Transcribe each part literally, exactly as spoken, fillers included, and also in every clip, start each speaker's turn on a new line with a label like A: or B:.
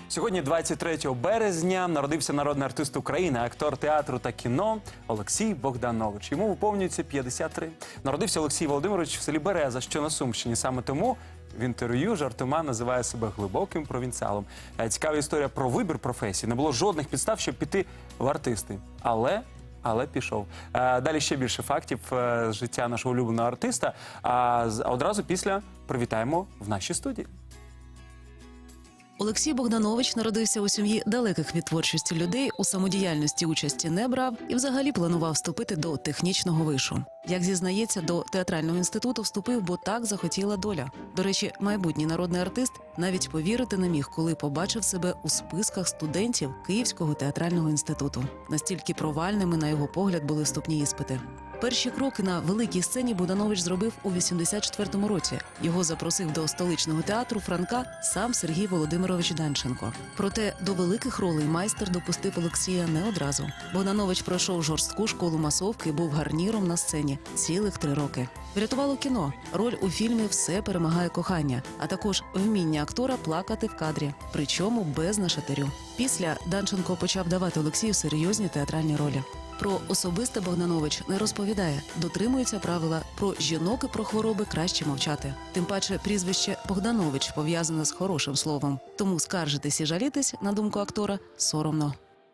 A: Сьогодні, двадцять третього березня, народився народний артист України, актор театру та кіно Олексій Богданович. Йому виповнюється п'ятдесят три. Народився Олексій Володимирович в селі Береза, що на Сумщині. Саме тому в інтерв'ю жартома називає себе глибоким провінціалом. Цікава історія про вибір професії. Не було жодних підстав, щоб піти в артисти. Але... Але пішов. Далі ще більше фактів з життя нашого улюбленого артиста. А одразу після привітаємо в нашій студії.
B: Олексій Богданович народився у сім'ї далеких від творчості людей, у самодіяльності участі не брав і взагалі планував вступити до технічного вишу. Як зізнається, до театрального інституту вступив, бо так захотіла доля. До речі, майбутній народний артист навіть повірити не міг, коли побачив себе у списках студентів Київського театрального інституту. Настільки провальними, на його погляд, були вступні іспити. Перші кроки на великій сцені Богданович зробив у вісімдесят четвертому році. Його запросив до столичного театру Франка сам Сергій Володимирович Данченко. Проте до великих ролей майстер допустив Олексія не одразу. Богданович пройшов жорстку школу масовки і був гарніром на сцені цілих три роки. Врятувало кіно. Роль у фільмі «Все перемагає кохання», а також вміння актора плакати в кадрі, причому без нашатирю. Після Данченко почав давати Олексію серйозні театральні ролі. Про особисте Богданович не розповідає, дотримується правила про жінок і про хвороби краще мовчати. Тим паче прізвище Богданович пов'язане з хорошим словом. Тому скаржитись і жалітись, на думку актора, соромно.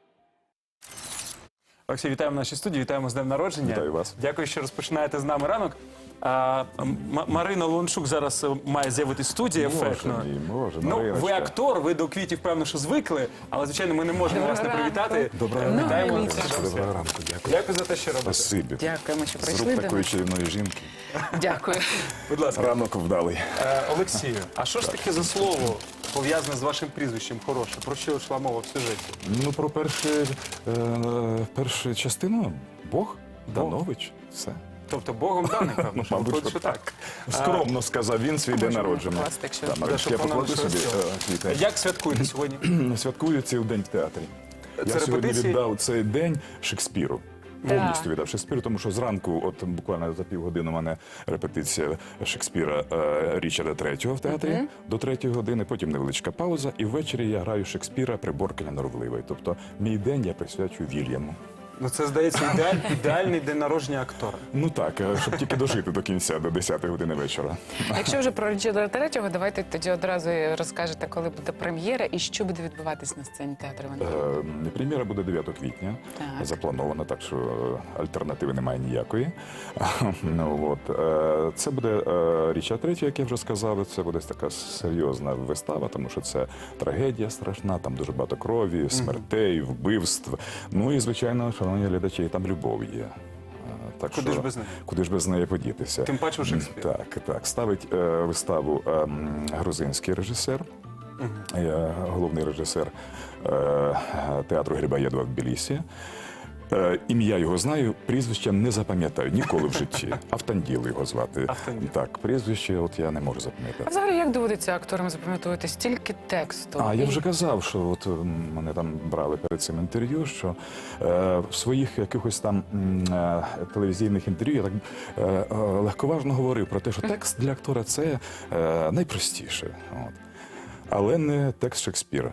A: Олексій, вітаємо в нашій студії, вітаємо з днем народження.
C: Вітаю вас.
A: Дякую, що розпочинаєте з нами ранок. А, М- Марина Лончук зараз має з'явитись в студії ефектно.
C: Боже мій, Боже,
A: Ну,
C: Мариночка.
A: ви актор, ви до квітів, певно, що звикли, але, звичайно, ми не можемо вас не привітати.
C: Доброго
A: Е, Вітаємо.
C: ранку.
A: вас.
C: Доброго ранку, дякую.
A: Дякую за те, що робите.
C: Спасибі.
D: Дякуємо, що
C: З
D: прийшли
C: рук
D: до
C: такої
D: нас.
C: чарівної жінки.
D: Дякую.
A: Будь ласка.
C: Ранок вдалий.
A: Е, Олексію, а що ж таке за слово пов'язане з вашим прізвищем хороше? Про що йшла мова в сюжеті?
C: Ну, про першу, е, першу частину Бог, Данович, все.
A: Тобто Богом даний, певно, що
C: Мабуть,
A: виходить,
C: що
A: що так.
C: Скромно сказав він свій день
D: можемо
C: народження.
D: покласти, якщо-
C: Так, Мариночка, я
A: щоб воно
C: покладу собі
A: лишилось.
C: е, квіти.
A: Як святкуєте сьогодні?
C: Святкую цей день в театрі. Я сьогодні
A: репетиції?
C: віддав цей день Шекспіру.
D: Так.
C: Повністю віддав Шекспіру, тому що зранку, от буквально за півгодини, у мене репетиція Шекспіра е, Річарда третього в театрі до третьої години, потім невеличка пауза, і ввечері я граю Шекспіра «Приборкання норовливої». Тобто мій день я присвячую Вільяму.
A: Ну, це, здається, ідеаль, ідеальний день народження актора.
C: Ну так, е, щоб тільки дожити до кінця, до десятої години вечора.
D: Якщо вже про Річарда третього, давайте тоді одразу розкажете, коли буде прем'єра і що буде відбуватись на сцені театру Івана.
C: Е, Прем'єра буде дев'ятого квітня,
D: Так.
C: запланована, так що е, альтернативи немає ніякої. Ну, от, е, це буде е, Річард третій, як я вже сказав, це буде така серйозна вистава, тому що це трагедія страшна, там дуже багато крові, смертей, вбивств. Ну і, звичайно, шановні глядачі, там любов є. Е, Так
A: Куди
C: що,
A: ж без неї?
C: Куди ж без неї подітися?
A: Тим паче у Шекспіра.
C: Так, так. Ставить е, виставу е, м, грузинський режисер, е, головний режисер е, театру Грибоєдова в Тбілісі. Е, ім'я його знаю, прізвище не запам'ятаю ніколи в житті. Автанділ його звати.
A: Автанділ.
C: Так, прізвище от я не можу
D: А
C: запам'ятати.
D: взагалі, як доводиться акторам запам'ятовувати стільки тексту?
C: А, я
D: І-
C: вже казав, що от м, мене там брали перед цим інтерв'ю, що е, в своїх якихось там м, е, телевізійних інтерв'ю я так е, е, легковажно говорив про те, що текст для актора це е, найпростіше. От. Але не текст Шекспіра.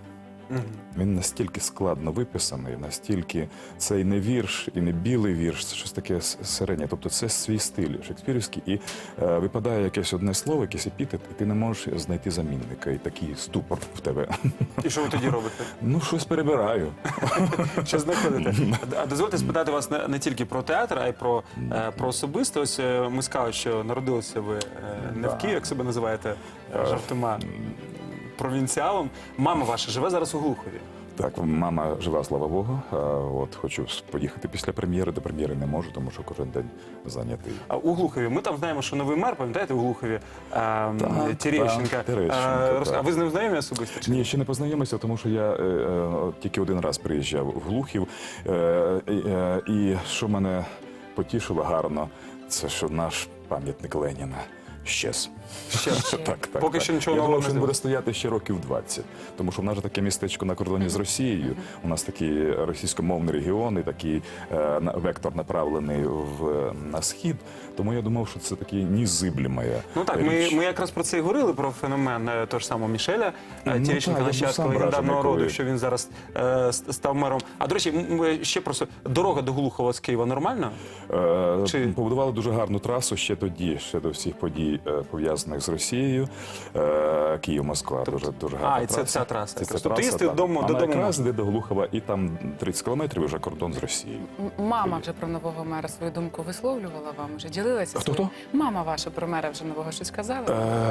C: Він настільки складно виписаний, настільки це і не вірш, і не білий вірш, це щось таке с- середнє. Тобто це свій стиль шекспірівський, і е, випадає якесь одне слово, якийсь епітет, і ти не можеш знайти замінника, і такий ступор в тебе.
A: І що ви тоді робите?
C: Ну, щось перебираю.
A: Що знаходите? А дозвольте спитати вас не, не тільки про театр, а й про, е, про особисте. Ось е, ми сказали, що народилися ви е, не в Києві, як себе називаєте, е, жартома, провінціалом. Мама ваша живе зараз у Глухові.
C: Так, мама жива, слава Богу. А, от хочу поїхати після прем'єри. До прем'єри не можу, тому що кожен день зайнятий.
A: А у Глухові, ми там знаємо, що новий мер, пам'ятаєте, у Глухові, е,
C: Так,
A: Терещенка.
C: так, Терещенко,
A: Е, роз-
C: так.
A: А ви з ним знайомі особисто? чи ні?
C: Ні, ще не познайомився, тому що я е, е, тільки один раз приїжджав в Глухів. Е, е, і що мене потішило гарно, це що наш пам'ятник Леніна. щез.
A: Ще.
C: Так, так,
A: Поки
C: так.
A: що нічого
C: Я
A: нового
C: думав,
A: не
C: що він
A: з'явилось.
C: буде стояти ще років двадцять. Тому що в нас же таке містечко на кордоні з Росією. У нас такий російськомовний регіон і такий е, на- вектор направлений в, на схід. Тому я думав, що це такий незиблемая
A: Ну так, ми,
C: річ.
A: ми якраз про це і говорили, про феномен е, того ж самого Мішеля,
C: Ну,
A: е,
C: так,
A: Терещенка,
C: я був
A: нащадка
C: сам
A: легендарного
C: вражений,
A: роду,
C: коли-
A: що він зараз е, с- став мером. А до речі, м- м- ще просто дорога до Глухова з Києва нормальна?
C: Е,
A: Чи-
C: Побудували дуже гарну трасу ще тоді, ще до всіх подій е, пов'язаних з Росією. Е, Київ-Москва, дуже, дуже гарна
A: А, і це
C: траса.
A: ця траса.
C: Це ця
A: Тобто
C: траса,
A: їздити
C: так.
A: додому-
C: Вона
A: додому
C: якраз
A: можна.
C: йде до Глухова, і там тридцять кілометрів вже кордон з Росією.
D: М- Мама вже про нового мера свою думку висловлювала вам, вже ділилася?
C: Хто,
D: своєю?
C: хто?
D: Мама ваша про мера вже нового щось казала?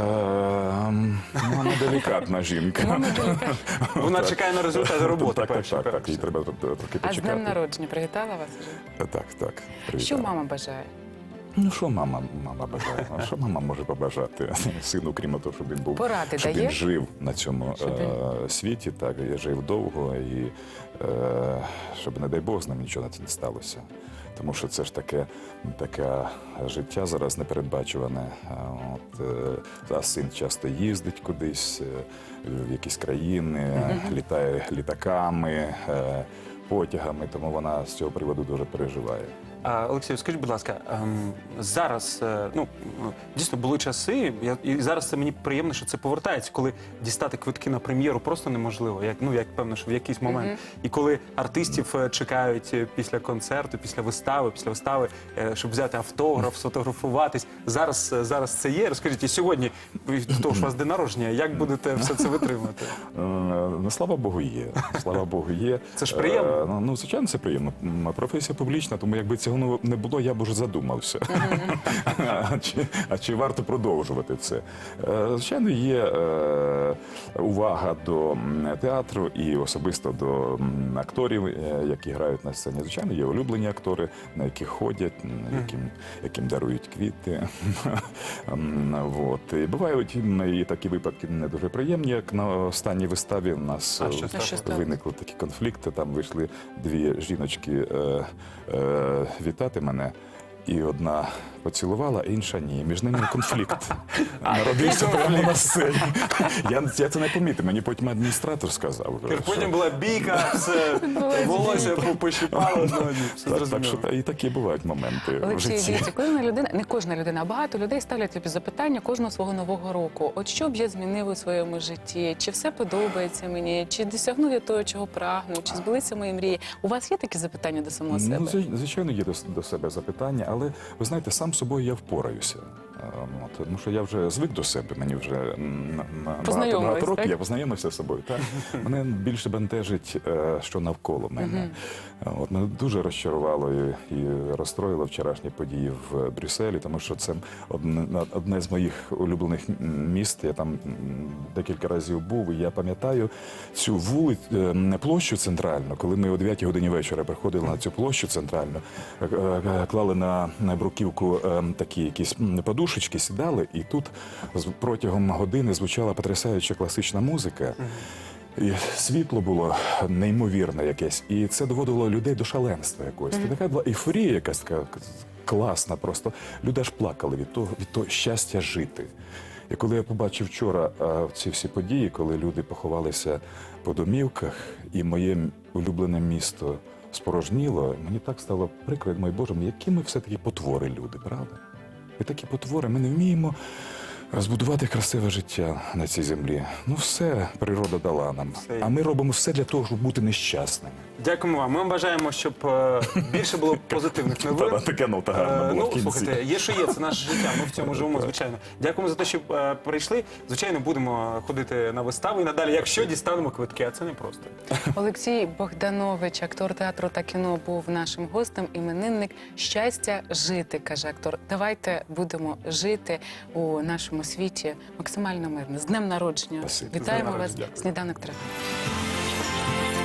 C: Ем, ну, Вона делікатна жінка.
D: Мама делікатна.
A: Вона чекає на результати роботи.
C: Так, так,
A: перші,
C: так, так.
A: перші.
C: Їй треба тр- трохи
D: А з днем
C: почекати.
D: народження привітала вас вже?
C: Так, так.
D: Що
C: привітала.
D: мама бажає?
C: Ну що мама, мама бажає? А що мама може побажати сину, крім того, щоб він був,
D: Поради
C: щоб
D: дає?
C: він жив на цьому
D: Щоб він-
C: е, світі, так і жив довго, і е, щоб, не дай Бог, з ним нічого не сталося. Тому що це ж таке, таке життя зараз непередбачуване. А От, е, а син часто їздить кудись, е, в якісь країни, літає літаками, е, потягами, тому вона з цього приводу дуже переживає.
A: А, Олексій, скажіть, будь ласка, ем, зараз, е, ну, е, дійсно були часи, я, і зараз це мені приємно, що це повертається, коли дістати квитки на прем'єру просто неможливо, як, ну, як певно, що в якийсь момент. І коли артистів е, чекають е, після концерту, після вистави, після вистави, е, щоб взяти автограф, сфотографуватись. Зараз, е, зараз це є. Розкажіть, і сьогодні, ви- того ж у вас день народження, як будете все це витримати?
C: Е, Ну, слава Богу, є. Слава Богу, є.
A: Це ж приємно.
C: Е, Ну, ну, звичайно, це приємно. М, Професія публічна, тому якби цього не було, я б уже задумався. А чи, а чи варто продовжувати це? Е, Звичайно, є е, увага до м, театру і особисто до м, акторів, е, які грають на сцені. Звичайно, є улюблені актори, на яких ходять, м, яким, яким дарують квіти. М, Вот. І бувають м, і такі випадки не дуже приємні, як на останній виставі у нас
A: А
C: е,
A: що
D: А що сталося?
C: виникли такі конфлікти. Там вийшли дві жіночки е, е, вітати мене. І одна поцілувала, інша ні. Між ними конфлікт. Народився прямо на сцені. Я, я це не помітив. Мені потім адміністратор сказав. що-
A: Потім була бійка, все, волосся пощипало, ну, ні, все
C: Так, так
A: зрозуміло.
C: що та- і такі бувають моменти в
D: Олексій,
C: житті.
D: дивіться, кожна людина, не кожна людина, а багато людей ставлять тобі запитання кожного свого нового року. От що б я змінив у своєму житті? Чи все подобається мені? Чи досягнув я того, чого прагну? Чи збулися мої мрії? У вас є такі запитання до самого себе?
C: Ну, зв- звичайно, є до, до себе запитання, але ви знаєте, сам собою я впораюся. Е, от, тому що я вже звик до себе, мені вже м, на- на- багато,
D: Познайомились,
C: багато років,
D: так?
C: я познайомився з собою. Так? Мене більше бентежить, е, що навколо мене. Е, От, мене дуже розчарувало і, і розстроїло вчорашні події в Брюсселі, тому що це одне, одне з моїх улюблених м, міст. Я там м, декілька разів був, і я пам'ятаю цю вулицю, е, площу центральну, коли ми о дев'ятій годині вечора приходили на цю площу центральну, е, е, клали на, на бруківку е, такі якісь м, подушечки, сідали, і тут з- протягом години звучала потрясаюча класична музика. І світло було неймовірне якесь, і це доводило людей до шаленства якогось. Це така була ейфорія якась така класна просто. Люди аж плакали від того, від того щастя жити. І коли я побачив вчора а, ці всі події, коли люди поховалися по домівках, і моє м- улюблене місто спорожніло, мені так стало прикро, мой Боже, які ми все-таки потвори люди, правда? Ми такі потвори, ми не вміємо збудувати красиве життя на цій землі. Ну все природа дала нам.
A: Все.
C: А ми робимо все для того, щоб бути нещасними.
A: Дякуємо вам. Ми вам бажаємо, щоб е, більше було позитивних новин.
C: Та, така нота гарна
A: Е,
C: була в
A: Ну,
C: кінці.
A: слухайте, є, що є, це наше життя. Ми в цьому живемо, звичайно. Дякуємо за те, що е, прийшли. Звичайно, будемо ходити на вистави і надалі, якщо дістанемо квитки, а це не просто.
D: Олексій Богданович, актор театру та кіно, був нашим гостем, іменинник. Щастя жити, каже актор. Давайте будемо жити у нашому світі максимально мирно. З днем народження.
C: Спасибо.
D: Вітаємо
C: З днем
D: вас.
C: народження. Дякую.
D: Сніданок триває.